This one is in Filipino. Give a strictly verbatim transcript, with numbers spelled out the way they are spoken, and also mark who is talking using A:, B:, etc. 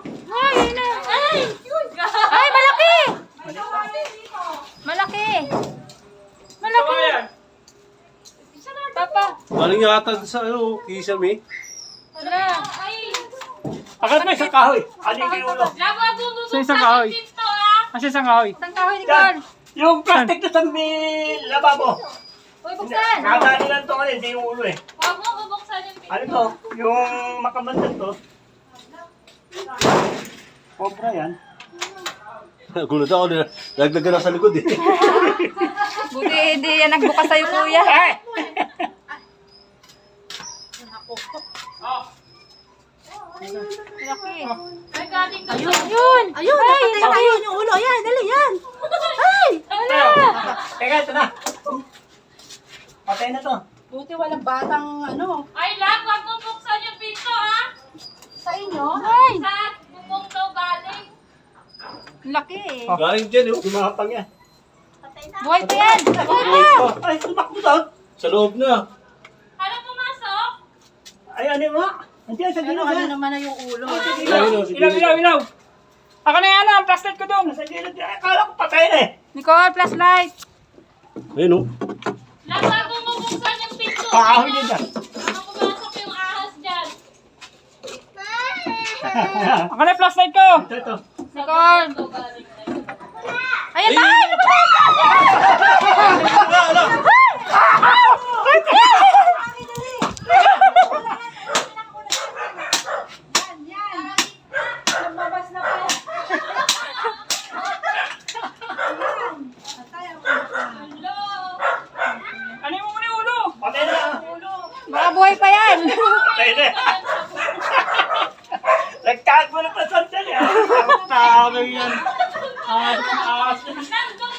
A: Ay, ayun na. Ay! Ay, malaki! Malaki! Malaki! Papa!
B: Galing yata sa ano, kisame.
A: Wala!
C: Akala mo isang kahoy. Aling yung ulo.
D: Sa isang kahoy. Kasi isang kahoy.
A: Isang kahoy ni Carl!
C: Yung plastic na sa may lababo.
A: Uy, buksan!
C: Nakadali lang ito kasi hindi yung ulo eh.
E: Huwag mo bubuksan yung pinto.
C: Ano to? Yung makamandan to. Cobra yan.
B: Gulat ako, nagdagan na sa likod eh.
A: Buti hindi yan nagbukas sa'yo, kuya.
C: Ay!
A: Malaki.
E: Ay, galing ka.
A: Ayun! Ayun! Ay, ayun yung ulo. Ayan, dali yan. Ay! Wala!
C: Teka, ito na. Patay na to.
F: Buti walang batang ano.
E: Ay, lang, huwag mo buksan yung pinto, ha?
F: Sa inyo?
A: Ay!
E: Sa bubong daw galing.
A: Laki eh.
B: Galing dyan eh.
C: Gumapang yan.
A: Buhay pa yan! Buhay pa!
C: Ay, tumakbo doon.
B: Sa loob na.
E: Ano pumasok?
C: Ay, ano mo? Nandiyan sa
F: Ano,
C: gilid
F: ano
C: yan.
F: naman na yung ulo?
B: Ayun, oh, sige.
D: Ilaw, ilaw, ilaw. Ako na yan, ang flashlight ko doon.
C: Sa gilid yan. Akala ko patay na eh.
A: Nicole, flashlight!
B: Ayun oh.
E: Lang, huwag mo bubuksan yung pinto.
C: Pakahoy din dyan.
E: Baka pumasok yung ahas dyan.
D: Ako na yung flashlight ko.
C: Ito, ito.
A: Nicole!
E: Daw galing na yun.
A: Ayan tayo!
F: Lumabas na po.
E: Hello?
D: Ano mo muna yung ulo?
C: Patay na.
A: Baka buhay pa yan!
C: Patay na. Nagkago na pa sandali. Tama yan. Ah, ah,
E: Nandun